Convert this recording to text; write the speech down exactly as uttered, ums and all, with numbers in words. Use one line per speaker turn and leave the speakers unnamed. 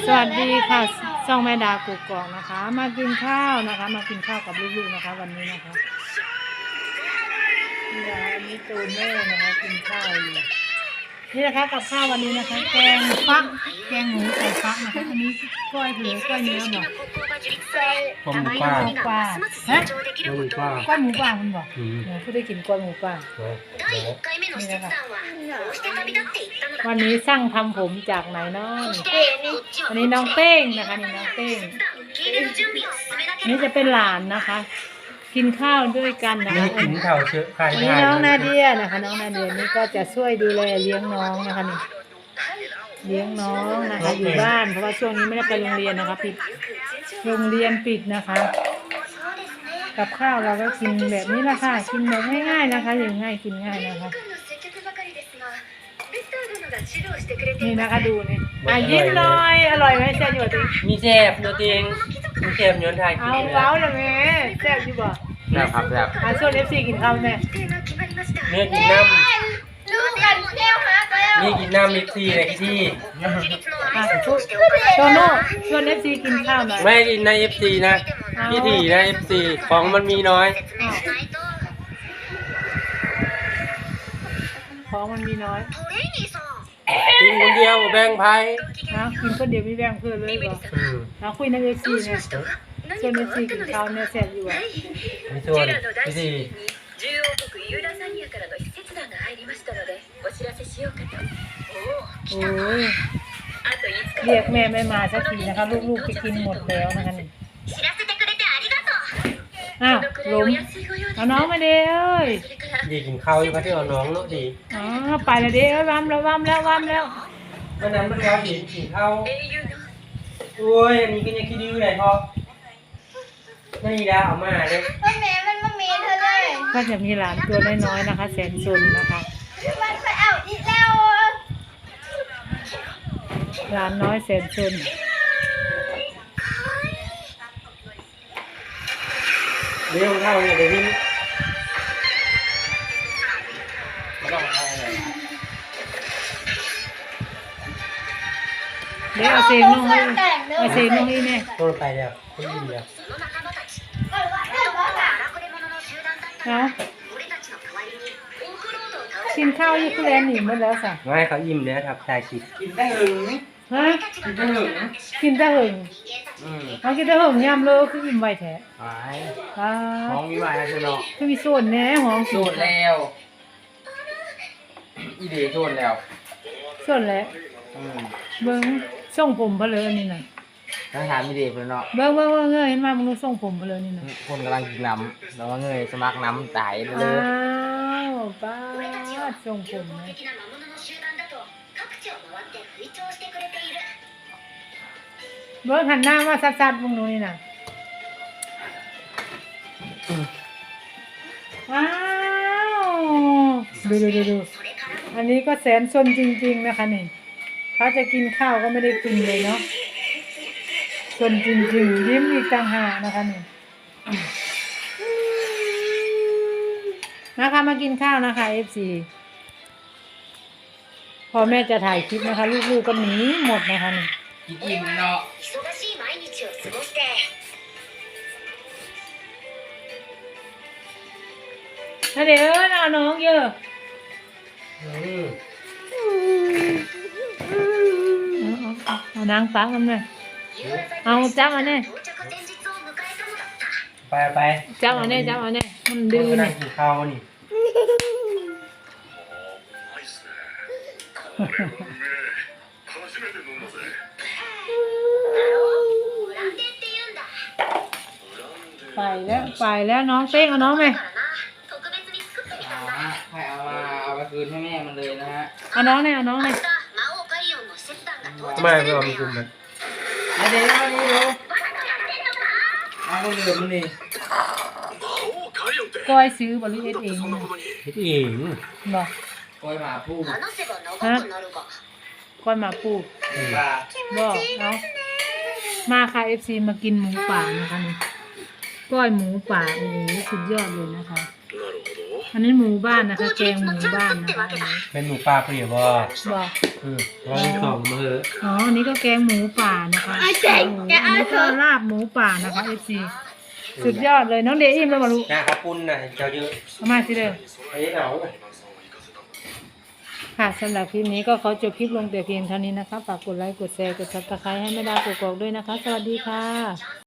สวัสดีค่ะช่องแม่ดากุกกอกนะคะมากินข้าวนะคะมากินข้าวกับลูกๆนะคะวันนี้นะคะนี่นะคะอันนี้ตูนแม่นะคะกินข้าวอยู่นี่นะคะกับข้าววันนี้นะคะแกงฟักแกงหมูใส่ฟักนะคะอันนี้กล้วยเผือกกล้วยเนื้อบอก
ต้มหมู
กล้
ป่า
วยหมูป่าฮะ
ต้มหมูป่าก
ล้วยหมูป่าคุณบอก
อืม
เดี๋ยวผู้ได้กินกล้วยหมูป่า
เนาะ
นี่นะคะวันนี้สั่งทำผมจากไหนเนาะอันนี้น้องเป้งนะคะนี่น้องเป้งนี่จะเป็นหลานนะคะ กินข้าวด้วยกันนะ
นี่
คะ
กินข้าวเชื้อไข่
อันนี้น้องนาเดียนะคะ น้องนาเดียนี่ก็จะช่วยดูแลเลี้ยงน้องนะคะนี่เลี้ยงน้องนะคะ อยู่บ้านเพราะว่าช่วงนี้ไม่ได้ไปโรงเรียนนะคะปิดโรงเรียนปิดนะคะ กับข้าวเราก็กินแบบนี้ละค่ะกินแบบง่ายๆนะคะอย่างง่ายกินง่ายนะคะนี่นะคะดูนี่อ่ะยิ้มหน่อยอร่อยไหมแซ่บอยู่ดิ
มีแซ่บโยติงมีแซ่บโยนไทย
เอาเว้าเลยแม่แซ่บอยู่บ่
แซ่บครับแซ่บ
อ่ะส่วนเอฟซีกินข้าวแม่
เนี่ยกินน้
ลูกกันแก้วฮักแล้ว
ำนี่กินน้ำมิกซี่เลยที่
อ่ะโตโน่ชวนเอฟซีกินข้าวหน่อย
ไม่กินใน เอฟ ซี นะพี่ถี่นะ เอฟ ซี ของมันมีน้อย
อ้าวของมันมีน้อย
กินคนเดียวแบ่งไพ่
นะกินคนเดียวไม่แบ่งเพื่อนเลยบ่
อืม
เอาคุยในเอฟซีเนี่ยชวนเอฟซีกินข้าวเนี่ยแซ่บอยู่อ่ะ
มีส่วนพี่ถี่
じゅうおうこくユーラザニアからの使節団が入りましたのでお知らせしようかと。おお、
โอ้ย
あといつか
เรียกแม่ไม่มาสักทีนะคะลูกๆจะกินหมดแล้วนะคะนี่
知らせてくれてありがとう。
อ้าว
このくらい
ล้
お
ม
安いご用です。
เอาน้องมาเด้เอ้ย
それから
ดีกินข้าวอยู่พัทยาน้องเนาะดี
อ๋อไปแล้วเด้เอ้ยวัมแล้ววัมแล้ววัมแล้ว
วันนั้นมันแล้วกินกินข้าว
英雄の
โอ้ยอันนี้ก็ยังคิดดื้อเลยพอนี่ดาเอามาเลย
มันแม่มันมาเมนเธอเลย
ก็จะมีหลานตัวน้อยๆนะคะแสนซนนะคะ
มันไปเอาอีกแล้ว
หลานน้อยแสนซน
เรื่องข้าวเนี่ยเดี๋ยวนี้
เดี๋ยวเอาเสียงน้องให้เอาเสียงน้องให้แน่
ตัวไปแล้วคนดีแล้ว
その仲間たち荒くれ者の集団だった
เอา
俺たちの代わりにオフロードを倒し
กินข้าวยี่คุแลนหนีหมดแล้วสะ
ไม่เขาอิ่มแล้วครับถ่ายคลิปกินได้หึง
ฮะ
たちが倒した
กินแต่หึง
อืม
เอากินแต่หึงยำเลยคืออิ่มไวแท้
หาย
อ่า
ท้องมีไหวแล้วใช่ไหม
คือมีส่วนแหน่หอม
โดดแล้วอีเดย์โดดแล้ว
ส่วนแหละ
อืม
เบิ้งส่งผมเพลอนี่น่ะ
ถ้าถามอีเดย์เพื่อนเนาะ
เบิ้งเบิ้งเบิ้งเงยเห็นมามึงดูส่งผมเพลอนี่น่ะ
คนกำลังกินน้ำแล้วว่าเงยสมัครน้ำตายเล
อ้าย วป้าดส่งผมนะ
的な魔物の集団だと各地を回って吹聴してくれている
เบิ้งหันหน้ามาซัดๆมึงดูนี่น่ะอ้าวดูดูดูดู
それから
อันนี้ก็แสนซนจริงๆนะคะนี่เขาจะกินข้าวก็ไม่ได้กินเลยเนาะซนจริงๆยิ้มอีกต่างหากนะคะนี่นะคะมากินข้าวนะคะ เอฟ ซี พอแม่จะถ่ายคลิปนะคะ ลูกๆก็หนีหมดนะคะนี่
กินอิ่มเนาะ
忙しい毎日を過ごして
ถ้าเดี๋ยวเอาน้องเยอะ
อืม
เอาเอาเอานางฟังกันเลย
夕方
เอาจับอันนี้
到着前日を迎えたのだった
ไปไป
จับอันนี้จับอันนี้มันดื้อ
นั่
เนี่
ง
ย
กินข้าวนี่
ブランデーって言うんだ
ไปแล้วไปแล้วน้องเป้งเอาน้องไหม
だからな特別に作ってみた
เอา
んだ
ฮะให้เอามาเอาไปคืนให้แม่มันเลยนะฮะ
เอาน้องเนี่ยเอาน้อง
明
เนี่ย
日魔王カリオンの使節団が到着
ไม่
する
ไม่
ん
เอา
だ
ไป
よ
คืนมันเดี๋ยวเอานี่ดู
バカやってんのか
เอาคนอื่นมันนี่
ก้อยซื้อบริเวณเองเนี่ย
คิดเอง
บอก
คอยมาพูด
話せば長くなるが
ก้อยมาปูด
ว่า
บอกเอามาค่ะ เอฟ ซี มากินหมูป่านะคะนี่ก้อยหมูป่าโอ้โหสุดยอดเลยนะคะอันนี้หมูบ้านนะคะแกงหมูบ้านนะคะอันนี้
เป็นหมูป่าเปรี้ยวบ่
บอก
อืมร้องสองมือ
อ๋ออันนี้ก็แกงหมูป่านะคะโอ้โหอันนี้ก็ลาบหมูป่านะคะเอฟซีสุดยอดเลยน้องเดอิ่มแล้วมาลูก
นะข้าวปุ้นน่ะเจ้าเยอะ
เอามาสิเลย
ไอ้เหนา
ค่ะสำหรับคลิปนี้ก็ขอจบคลิปลงแต่เพียงเท่านี้นะคะฝากกดไลค์กดแชร์กดซับสไครต์ให้แม่ดาวกกอกด้วยนะคะ สวัสดีค่ะ